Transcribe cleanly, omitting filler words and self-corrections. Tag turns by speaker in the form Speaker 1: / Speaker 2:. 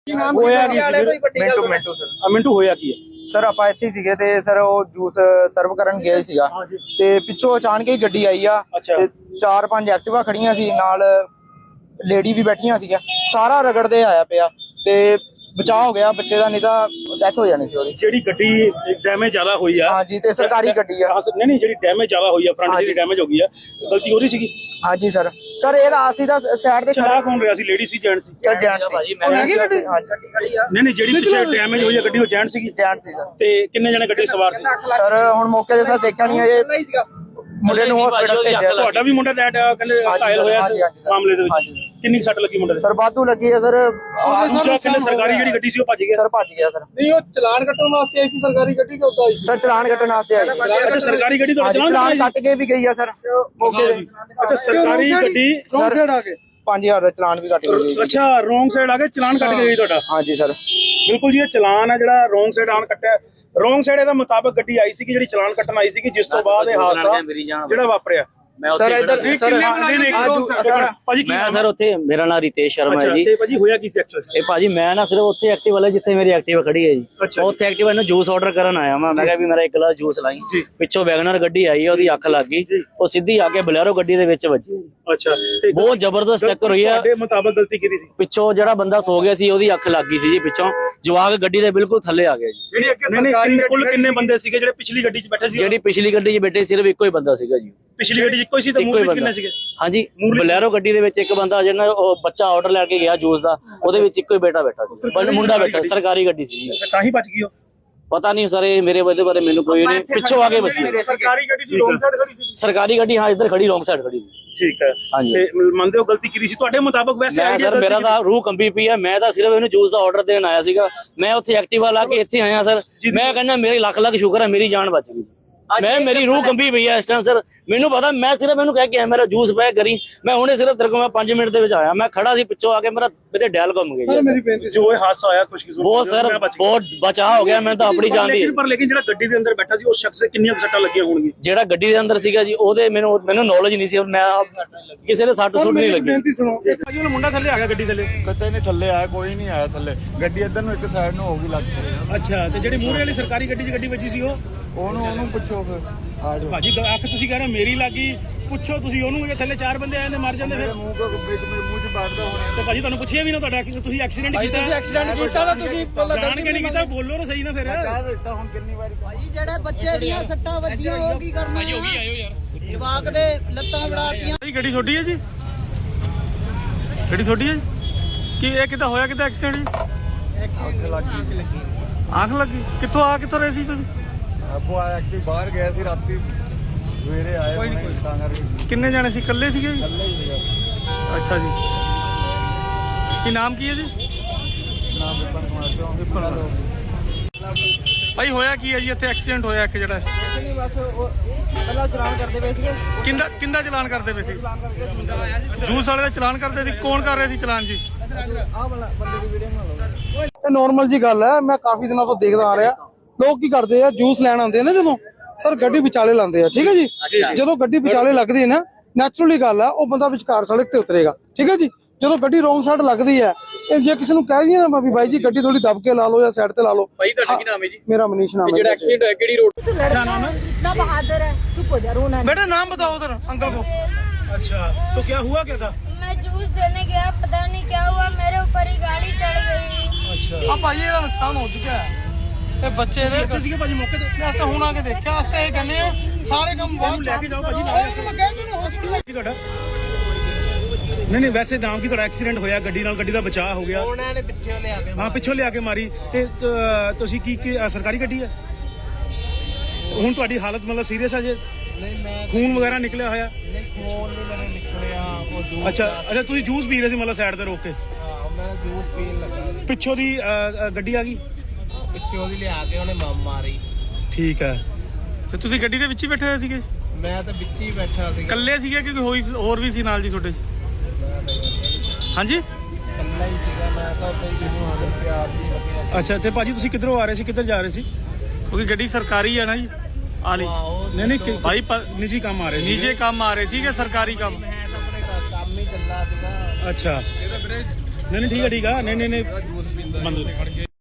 Speaker 1: ਹੋਇਆ ਕੀ ਸੀ? ਮਿੰਟੂ ਹੋਇਆ ਕੀ ਹੈ
Speaker 2: ਸਰ ਆਪਾਂ ਇੱਥੇ ਸੀਗੇ ਤੇ ਸਰ ਉਹ ਜੂਸ ਸਰਵ ਕਰਨ ਗਏ ਸੀਗਾ ਤੇ ਪਿੱਛੋਂ ਅਚਾਨਕ ਹੀ ਗੱਡੀ ਆਈ ਆ ਤੇ 4-5 ਐਕਟਿਵਾ ਖੜੀਆਂ ਸੀ, ਨਾਲ ਲੇਡੀ ਵੀ ਬੈਠੀਆਂ ਸੀਗੀਆਂ, ਸਾਰਾ ਰਗੜਦੇ ਆਇਆ ਪਿਆ ਤੇ ਬਚਾਅ ਹੋ ਗਿਆ ਬੱਚੇ ਦਾ, ਨਹੀਂ ਤਾਂ ਡੈਥ ਹੋ ਜਾਣੀ ਸੀ ਉਹਦੀ।
Speaker 1: ਜਿਹੜੀ ਗੱਡੀ ਡੈਮੇਜ ਜ਼ਿਆਦਾ ਹੋਈ ਆ
Speaker 2: ਹਾਂਜੀ ਤੇ ਸਰਕਾਰੀ ਗੱਡੀ ਆ।
Speaker 1: ਨਹੀਂ ਜਿਹੜੀ ਡੈਮੇਜ ਜ਼ਿਆਦਾ ਹੋਈ ਆ, ਫਰੰਟ ਜਿਹੜੀ ਡੈਮੇਜ ਹੋ ਗਈ ਆ, ਗਲਤੀ ਉਹਦੀ ਸੀਗੀ।
Speaker 2: ਹਾਂਜੀ ਸਰ ਇਹਦਾ ਅਸੀਂ ਤਾਂ ਸਾਈਡ ਤੇ
Speaker 1: ਚਲਾ ਕੌਣ ਰਿਹਾ ਸੀ, ਲੇਡੀ ਸੀ ਜੈਂਟ ਸੀ?
Speaker 2: ਸਰ ਜੈਂਟ ਸੀ।
Speaker 1: ਨਹੀਂ ਜਿਹੜੀ ਪਿੱਛੇ ਡੈਮੇਜ ਹੋਈ ਆ ਗੱਡੀ, ਉਹ ਜੈਂਟ ਸੀਗੀ?
Speaker 2: ਜੈਂਟ ਸੀ ਸਰ।
Speaker 1: ਤੇ ਕਿੰਨੇ ਜਣੇ ਗੱਡੀ ਸਵਾਰ ਸੀ?
Speaker 2: ਸਰ ਹੁਣ ਮੌਕੇ ਤੇ ਸਰ ਦੇਖਿਆ ਨਹੀਂ ਇਹ ਮੁੰਡੇ ਨੂੰ ਹਸਪੀਟਲ ਭੇਜਿਆ।
Speaker 1: ਤੁਹਾਡਾ ਵੀ ਮੁੰਡਾ ਕਹਿੰਦੇ ਘਾਇਲ ਹੋਇਆ ਸੀ ਮਾਮਲੇ ਦੇ ਵਿੱਚ? ਕਿੰਨੀ ਸੱਟ ਲੱਗੀ ਮੁੰਡੇ ਦੇ?
Speaker 2: ਸਰ ਵਾਧੂ ਲੱਗੀ ਹੈ ਸਰ।
Speaker 1: ਸਰਕਾਰੀ ਜਿਹੜੀ ਗੱਡੀ ਸੀ ਉਹ ਭੱਜ ਗਿਆ?
Speaker 2: ਸਰ ਭੱਜ ਗਿਆ ਸਰ।
Speaker 3: ਨਹੀਂ, ਉਹ ਚਲਾਨ ਕੱਟਣ ਵਾਸਤੇ ਆਈ ਸੀ ਸਰਕਾਰੀ ਗੱਡੀ ਕਿ ਉਦਾਂ ਆਈ ਸੀ?
Speaker 2: ਸਰ ਚਲਾਨ ਕੱਟਣ ਵਾਸਤੇ ਆਈ ਸੀ।
Speaker 1: ਅੱਛਾ ਸਰਕਾਰੀ ਗੱਡੀ ਤੁਹਾਡਾ
Speaker 2: ਚਲਾਨ ਕੱਟ ਕੇ ਵੀ ਗਈ ਆ ਸਰ ਮੌਕੇ ਤੇ।
Speaker 1: ਅੱਛਾ ਸਰਕਾਰੀ ਗੱਡੀ
Speaker 3: ਰੋਂਗ ਸਾਈਡ ਆ ਕੇ
Speaker 2: 5000 ਦਾ ਚਲਾਨ ਵੀ ਕੱਟ ਗਈ।
Speaker 1: ਅੱਛਾ ਰੋਂਗ ਸਾਈਡ ਆ ਕੇ ਚਲਾਨ ਕੱਟ ਕੇ ਗਈ ਤੁਹਾਡਾ?
Speaker 2: ਹਾਂਜੀ ਸਰ
Speaker 1: ਬਿਲਕੁਲ ਜੀ, ਇਹ ਚਲਾਨ ਆ ਜਿਹੜਾ ਰੋਂਗ ਸਾਈਡ ਆਨ ਕੱਟਿਆ। ਰੋਂਗ ਸਾਈਡ ਇਹਦਾ ਮੁਤਾਬਕ ਗੱਡੀ ਆਈ ਸੀ ਜਿਹੜੀ ਚਲਾਨ ਕੱਟਣ ਆਈ ਸੀ, ਜਿਸ ਤੋਂ ਬਾਅਦ ਇਹ ਹਾਦਸਾ ਜਿਹੜਾ ਵਾਪਰਿਆ।
Speaker 2: ਸਰ ਇੱਧਰ ਸਰ
Speaker 1: ਭਾਜੀ
Speaker 4: ਮੈਂ ਸਰ ਉੱਥੇ, ਮੇਰਾ ਨਾਮ ਰਿਤੇਸ਼ ਸ਼ਰਮਾ ਹੈ ਜੀ।
Speaker 1: ਤੇ ਭਾਜੀ ਹੋਇਆ ਕੀ ਸੀ ਐਕਚੁਅਲੀ?
Speaker 4: ਇਹ ਭਾਜੀ ਮੈਂ ਨਾ ਸਿਰਫ ਉੱਥੇ ਐਕਟਿਵ ਵਾਲੇ ਜਿੱਥੇ ਮੇਰੀ ਐਕਟਿਵਾ ਖੜੀ ਹੈ ਜੀ, ਉੱਥੇ ਐਕਟਿਵਾ ਨੂੰ ਜੂਸ ਆਰਡਰ ਕਰਨ ਆਇਆ ਮੈਂ ਕਿਹਾ ਵੀ ਮੇਰਾ 1 ਗਲਾਸ ਜੂਸ ਲਾਈ। ਪਿੱਛੋਂ ਵੈਗਨਰ ਗੱਡੀ ਆਈ, ਉਹਦੀ ਅੱਖ ਲੱਗ ਗਈ, ਉਹ ਸਿੱਧੀ ਆ ਕੇ ਬਲੈਰੋ ਗੱਡੀ ਦੇ ਵਿੱਚ ਵੱਜੀ।
Speaker 1: ਅੱਛਾ
Speaker 4: ਬਹੁਤ ਜ਼ਬਰਦਸਤ ਟੱਕਰ ਹੋਈ ਆ।
Speaker 1: ਤੁਹਾਡੇ ਮੁਤਾਬਕ ਗਲਤੀ ਕੀਤੀ ਸੀ?
Speaker 4: ਪਿੱਛੋਂ ਜਿਹੜਾ ਬੰਦਾ ਸੋ ਗਿਆ ਸੀ ਉਹਦੀ ਅੱਖ ਲੱਗ ਗਈ ਸੀ ਜੀ, ਪਿੱਛੋਂ ਜਵਾਕ ਗੱਡੀ ਦੇ ਬਿਲਕੁਲ ਥੱਲੇ ਆ ਗਿਆ ਜੀ।
Speaker 1: ਨਹੀਂ ਕੁੱਲ ਕਿੰਨੇ ਬੰਦੇ ਸੀਗੇ ਜਿਹੜੇ ਪਿਛਲੀ ਗੱਡੀ 'ਚ ਬੈਠੇ ਸੀ?
Speaker 4: ਜਿਹੜੀ ਪਿਛਲੀ ਗੱਡੀ 'ਚ ਬੈਠੇ ਸਿਰਫ ਇੱਕੋ ਹੀ ਬੰਦਾ ਸੀਗਾ ਜੀ।
Speaker 1: ਪਿਛਲੀ ਗੱਡੀ 'ਚ ਇੱਕੋ ਹੀ ਸੀ ਤੇ ਮੂਹਰੇ ਕਿੰਨੇ ਸੀਗੇ?
Speaker 4: ਹਾਂਜੀ ਬਲੈਰੋ ਗੱਡੀ ਦੇ ਵਿੱਚ ਇੱਕ ਬੰਦਾ ਜਿਹੜਾ ਉਹ ਬੱਚਾ ਆਰਡਰ ਲੈ ਕੇ ਗਿਆ ਜੂਸ ਦਾ, ਉਹਦੇ ਵਿੱਚ ਇੱਕੋ ਹੀ ਬੇਟਾ ਬੈਠਾ ਸੀ, ਮੁੰਡਾ ਬੈਠਾ। ਸਰਕਾਰੀ ਗੱਡੀ ਸੀ ਜੀ।
Speaker 1: ਤਾਂ ਹੀ ਬਚ ਗਈ ਉਹ?
Speaker 4: ਪਤਾ ਨਹੀਂ ਸਰ, ਇਹ ਮੇਰੇ ਬਾਰੇ ਮੈਨੂੰ ਕੋਈ ਨਹੀਂ, ਪਿੱਛੋਂ ਆ ਕੇ ਬਸੀ।
Speaker 1: ਸਰਕਾਰੀ ਗੱਡੀ ਸੀ ਰੋਂਗ ਸਾਈਡ ਖੜੀ ਸੀ?
Speaker 4: ਸਰਕਾਰੀ ਗੱਡੀ ਹਾਂ ਇੱਧਰ ਖੜੀ, ਰੋਂਗ ਸਾਈਡ ਖੜੀ।
Speaker 1: ਠੀਕ ਹੈ
Speaker 4: ਹਾਂਜੀ।
Speaker 1: ਤੇ ਮੰਨਦੇ ਹੋ ਗਲਤੀ ਕੀਤੀ ਸੀ ਤੁਹਾਡੇ ਮੁਤਾਬਕ? ਵੈਸੇ
Speaker 4: ਮੈਂ ਸਰ ਮੇਰਾ ਤਾਂ ਰੂਹ ਕੰਬੀ ਪਈ ਆ, ਮੈਂ ਤਾਂ ਸਿਰਫ ਇਹਨੂੰ ਜੂਸ ਦਾ ਆਰਡਰ ਦੇਣ ਆਇਆ ਸੀਗਾ। ਮੈਂ ਉੱਥੇ ਐਕਟਿਵਾ ਲਾ ਕੇ ਇੱਥੇ ਆਇਆ ਸਰ। ਮੈਂ ਕਹਿੰਦਾ ਮੇਰੇ ਲੱਖ ਲੱਖ ਸ਼ੁਕਰ ਹੈ ਮੇਰੀ ਜਾਨ ਬਚ ਗਈ। ਮੇਰੀ ਰੂਹ ਕੰਬੀ ਪਈ ਆ ਇਸ ਟਾਈਮ ਸਰ। ਮੈਨੂੰ ਪਤਾ, ਮੈਂ ਸਿਰਫ ਇਹਨੂੰ ਕਹਿ ਕੇ ਆਇਆ ਮੇਰਾ ਜੂਸ ਪੈਕ ਕਰੀ। ਮੈਂ ਹੁਣੇ ਸਿਰਫ ਤੇਰੇ ਕੋਲ 5 ਮਿੰਟ ਦੇ ਵਿੱਚ ਆਇਆ। ਮੈਂ ਖੜਾ ਸੀ, ਪਿੱਛੋਂ ਆ ਕੇ ਮੇਰੇ ਡੈਲ ਘੁੰਮ ਗਈ।
Speaker 3: ਸਰ ਮੇਰੀ ਬੇਨਤੀ
Speaker 1: ਜੋ ਇਹ ਹਾਦਸਾ ਹੋਇਆ ਕੁਝ
Speaker 4: ਬਹੁਤ ਸਰ ਬਹੁਤ ਬਚਾਅ ਹੋ ਗਿਆ, ਮੈਂ ਤਾਂ ਆਪਣੀ ਜਾਨ ਦੀ।
Speaker 1: ਪਰ ਲੇਕਿਨ ਜਿਹੜਾ ਗੱਡੀ ਦੇ ਅੰਦਰ ਬੈਠਾ ਸੀ ਉਸ ਸ਼ਖਸ ਦੇ ਕਿੰਨੀਆਂ ਸੱਟਾਂ ਲੱਗੀਆਂ ਹੋਣਗੀਆਂ?
Speaker 4: ਜਿਹੜਾ ਗੱਡੀ ਦੇ ਅੰਦਰ ਸੀਗਾ ਜੀ, ਉਹਦੇ ਮੈਨੂੰ ਨੌਲੇਜ ਨਹੀਂ ਸੀ, ਮੈਂ ਕਿਸੇ ਦੇ ਸੱਟ ਸੁੱਟ ਨਹੀਂ ਲੱਗੀ।
Speaker 3: ਬੇਨਤੀ ਸੁਣੋ,
Speaker 1: ਭਾਜੀ ਉਹ ਮੁੰਡਾ ਥੱਲੇ ਆ ਗਿਆ ਗੱਡੀ ਥੱਲੇ?
Speaker 5: ਕਦੇ ਨਹੀਂ ਥੱਲੇ ਆਇਆ, ਕੋਈ ਨਹੀਂ ਆਇਆ ਥੱਲੇ। ਗੱਡੀ ਇੱਧਰ ਨੂੰ ਇੱਕ ਸਾਈਡ ਨੂੰ ਹੋ ਗਈ ਲੱਗ ਪਈ।
Speaker 1: ਅੱਛਾ ਤੇ ਜਿਹੜੀ ਮੂਹਰੇ ਵਾਲੀ ਸਰਕਾਰੀ ਗੱਡੀ 'ਚ ਗੱਡੀ ਵੱਜੀ ਸੀ
Speaker 5: ਉਹਨੂੰ ਪੁੱਛੋ ਫਿਰ। ਆ ਜਾਓ।
Speaker 1: ਭਾਜੀ ਅੱਖ ਤੁਸੀਂ ਕਹਿ ਰਹੇ ਮੇਰੀ ਲੱਗੀ, ਪੁੱਛੋ ਤੁਸੀਂ ਉਹਨੂੰ। ਜੇ ਥੱਲੇ 4 ਬੰਦੇ ਆਏ ਨੇ ਮਰ ਜਾਂਦੇ ਫਿਰ।
Speaker 5: ਮੂੰਹ ਚ ਬਾਦਦਾ ਹੋਣਾ।
Speaker 1: ਤੇ ਭਾਜੀ ਤੁਹਾਨੂੰ ਪੁੱਛਿਆ ਵੀ ਨਾ ਤੁਹਾਡਾ ਕਿ ਤੁਸੀਂ ਐਕਸੀਡੈਂਟ ਕੀਤਾ?
Speaker 3: ਤੁਸੀਂ ਐਕਸੀਡੈਂਟ ਕੀਤਾ ਤਾਂ ਤੁਸੀਂ
Speaker 1: ਜਾਣ ਕੇ ਨਹੀਂ ਕੀਤਾ, ਬੋਲੋ ਨਾ ਸਹੀ ਨਾ ਫਿਰ।
Speaker 5: ਕਹਿ ਦਿੱਤਾ ਹੁਣ ਕਿੰਨੀ ਵਾਰੀ।
Speaker 6: ਭਾਜੀ ਜਿਹੜੇ ਬੱਚੇ ਦੀਆਂ ਸੱਟਾਂ ਵੱਜੀਆਂ ਉਹ ਕੀ ਕਰਨਾ? ਭਾਜੀ ਹੋ ਗਈ, ਆਇਓ ਯਾਰ। ਜਵਾਕ ਦੇ ਲੱਤਾਂ ਵੜਾਤੀਆਂ।
Speaker 1: ਭਾਜੀ ਗੱਡੀ ਛੋਟੀ ਹੈ ਜੀ? ਗੱਡੀ ਛੋਟੀ ਹੈ ਕੀ? ਇਹ ਕਿੱਦਾਂ ਹੋਇਆ, ਕਿੱਦਾਂ ਐਕਸੀਡੈਂਟ ਜੀ?
Speaker 5: ਅੱਖ ਲੱਗੀ।
Speaker 1: ਅੱਖ ਲੱਗੀ? ਕਿੱਥੋਂ ਰਹੇ ਸੀ ਤੁਸੀਂ?
Speaker 5: ਆਪੋ ਆਇਆ ਕਿ ਬਾਹਰ ਗਏ ਸੀ ਰਾਤੀ, ਸਵੇਰੇ ਆਏ ਹੁਣੇ ਤਾਂ ਕਰਕੇ।
Speaker 1: ਕਿੰਨੇ ਜਾਣੇ ਸੀ? ਇਕੱਲੇ ਸੀਗੇ ਜੀ?
Speaker 5: ਇਕੱਲੇ ਹੀ ਸੀਗਾ।
Speaker 1: ਅੱਛਾ ਜੀ। ਕੀ ਨਾਮ ਕੀ ਹੈ ਜੀ?
Speaker 5: ਨਾਮ ਵਿਪਨ ਕੁਮਾਰ ਤੋਂ।
Speaker 1: ਭਾਈ ਹੋਇਆ ਕੀ ਹੈ ਜੀ ਇੱਥੇ? ਐਕਸੀਡੈਂਟ ਹੋਇਆ ਇੱਕ ਜਿਹੜਾ।
Speaker 3: ਨਹੀਂ ਬਸ ਉਹ ਪਹਿਲਾਂ ਚਲਾਨ ਕਰਦੇ ਪਏ ਸੀਗੇ।
Speaker 1: ਕਿੰਦਾ ਚਲਾਨ ਕਰਦੇ ਪਏ ਸੀ?
Speaker 3: ਚਲਾਨ ਕਰਕੇ ਮੁੰਡਾ ਆਇਆ ਸੀ,
Speaker 1: ਜੂਸ ਵਾਲੇ ਦਾ ਚਲਾਨ ਕਰਦੇ ਸੀ। ਕੌਣ ਕਰ ਰਿਹਾ ਸੀ ਚਲਾਨ ਜੀ?
Speaker 3: ਆਹ ਵਾਲਾ ਬੰਦੇ ਦੀ ਵੀਡੀਓ ਬਣਾ ਲਓ।
Speaker 2: ਇਹ ਨਾਰਮਲ ਜੀ ਗੱਲ ਹੈ, ਮੈਂ ਕਾਫੀ ਦਿਨਾਂ ਤੋਂ ਦੇਖਦਾ ਆ ਰਿਹਾ। ਲੋਕ ਕੀ ਕਰਦੇ ਆ, ਜੂਸ ਲੈਣ ਆਉਂਦੇ ਆ ਨਾ ਜਦੋਂ, ਸਰ ਗੱਡੀ ਵਿਚਾਲੇ ਲਾਉਂਦੇ ਆ। ਠੀਕ ਹੈ ਜੀ, ਜਦੋਂ ਗੱਡੀ ਵਿਚਾਲੇ ਲੱਗਦੀ ਹੈ ਨਾ, ਨੈਚੁਰਲੀ ਗੱਲ ਆ ਉਹ ਬੰਦਾ ਵਿਚਕਾਰ ਸੜਕ ਤੇ ਉਤਰੇਗਾ। ਠੀਕ ਹੈ ਜੀ, ਜਦੋਂ ਗੱਡੀ ਰੋਂਗ ਸਾਈਡ ਲੱਗਦੀ ਹੈ, ਇਹ ਜੇ ਕਿਸੇ ਨੂੰ ਕਹਿ ਦਈਏ ਨਾ ਵੀ ਬਾਈ ਜੀ ਗੱਡੀ ਥੋੜੀ ਦਬ ਕੇ ਲਾ ਲਓ ਜਾਂ ਸਾਈਡ ਤੇ ਲਾ ਲਓ।
Speaker 7: ਭਾਈ ਤੁਹਾਡਾ ਕੀ ਨਾਮ ਹੈ ਜੀ?
Speaker 2: ਮੇਰਾ ਮਨੀਸ਼ ਨਾਮ ਹੈ।
Speaker 7: ਜਿਹੜਾ ਐਕਸੀਡੈਂਟ ਹੋਇਆ ਕਿਹੜੀ ਰੋਡ ਤੇ?
Speaker 1: क्या नाम है?
Speaker 6: इतना बहादुर है, चुप हो जा, रोना
Speaker 3: बेटा नाम बताओ उधर अंकल को।
Speaker 1: अच्छा तो क्या हुआ क्या था?
Speaker 8: मैं जूस देने गया, पता नहीं क्या हुआ, मेरे ऊपर ही गाड़ी चढ़ गई।
Speaker 1: अच्छा
Speaker 3: ਆ ਭਾਜੀ ਇਹਦਾ ਨੁਕਸਾਨ ਹੋ ਚੁੱਕਿਆ ਹੈ। ਇਹ ਬੱਚੇ ਦੇ
Speaker 1: ਭਾਜੀ ਮੌਕੇ ਤੇ
Speaker 3: ਅਸਾਂ ਹੁਣ ਆ ਕੇ ਦੇਖਿਆ, ਅਸਾਂ ਇਹ ਕਹਿੰਦੇ ਆ ਸਾਰੇ ਕੰਮ ਬਹੁਤ
Speaker 1: ਲੈ ਕੇ ਜਾਓ ਭਾਜੀ
Speaker 3: ਮੈਂ ਕਹਿੰਦਾ ਨੂੰ ਹਸਪੀਟਲ।
Speaker 1: ਕੀ ਤੁਹਾਡਾ? ਨਹੀਂ ਵੈਸੇ ਨਾਮ ਕੀ ਤੁਹਾਡਾ? ਐਕਸੀਡੈਂਟ ਹੋਇਆ ਗੱਡੀ ਨਾਲ, ਗੱਡੀ ਦਾ ਬਚਾਅ ਹੋ ਗਿਆ।
Speaker 3: ਉਹਨਾਂ ਨੇ ਪਿੱਛੇ ਲਿਆ ਕੇ
Speaker 1: ਹਾਂ ਪਿੱਛੋਂ ਲਿਆ ਕੇ ਮਾਰੀ। ਤੇ ਤੁਸੀਂ ਕੀ ਸਰਕਾਰੀ ਗੱਡੀ ਹੈ? ਹੁਣ ਤੁਹਾਡੀ ਹਾਲਤ ਮਤਲਬ ਸੀਰੀਅਸ ਹੈ ਜੇ?
Speaker 3: ਨਹੀਂ ਮੈਂ
Speaker 1: ਖੂਨ ਵਗੈਰਾ ਨਿਕਲਿਆ ਹੋਇਆ?
Speaker 3: ਨਹੀਂ ਖੂਨ ਨਹੀਂ ਮੇਰੇ ਨਿਕਲਿਆ, ਉਹ ਜੂਸ।
Speaker 1: ਅੱਛਾ ਤੁਸੀਂ ਜੂਸ ਪੀ ਰਹੇ ਸੀ ਮਤਲਬ ਸਾਈਡ ਤੇ ਰੋਕ ਕੇ?
Speaker 3: ਹਾਂ ਮੈਂ ਜੂਸ ਪੀਣ ਲੱਗਾ ਸੀ,
Speaker 1: ਪਿੱਛੋਂ ਦੀ ਗੱਡੀ ਆ ਗਈ?
Speaker 3: ਪਿੱਛੇ ਉਹਦੀ ਲਿਆ ਕੇ ਉਹਨੇ ਮਾਰੀ।
Speaker 1: ਠੀਕ ਹੈ। ਤੇ ਤੁਸੀਂ ਗੱਡੀ ਦੇ ਵਿੱਚ ਹੀ ਬੈਠੇ ਹੋਏ ਸੀਗੇ?
Speaker 3: ਮੈਂ ਤਾਂ ਵਿੱਚ ਹੀ ਬੈਠਾ ਸੀ।
Speaker 1: ਇਕੱਲੇ ਸੀਗੇ ਕਿ ਕੋਈ ਹੋਰ ਵੀ ਸੀ ਨਾਲ ਜੀ ਤੁਹਾਡੇ? ਹਾਂਜੀ
Speaker 3: ਇਕੱਲਾ ਹੀ ਸੀਗਾ ਮੈਂ ਤਾਂ, ਉੱਥੇ ਜਿਹਨੂੰ ਆਦਰ ਪਿਆਰ ਦੀ ਲੱਗਿਆ।
Speaker 1: ਅੱਛਾ ਤੇ ਭਾਜੀ ਤੁਸੀਂ ਕਿੱਧਰੋਂ ਆ ਰਹੇ ਸੀ, ਕਿੱਧਰ ਜਾ ਰਹੇ ਸੀ? ਕਿਉਂਕਿ ਗੱਡੀ ਸਰਕਾਰੀ ਹੈ ਨਾ ਜੀ ਆਲੀ। ਨਹੀਂ ਭਾਈ ਨਿੱਜੀ ਕੰਮ ਆ ਰਹੇ ਸੀ? ਨਿੱਜੀ ਕੰਮ ਆ ਰਹੇ ਸੀ ਕਿ ਸਰਕਾਰੀ ਕੰਮ?
Speaker 3: ਮੈਂ ਤਾਂ ਆਪਣੇ ਕੰਮ ਹੀ ਚੱਲਾ ਸੀਗਾ।
Speaker 1: ਅੱਛਾ ਨਹੀਂ ਠੀਕ ਆ ਨਹੀਂ
Speaker 5: ਜੂਸ ਪੀਂਦਾ
Speaker 1: ਬੰਦ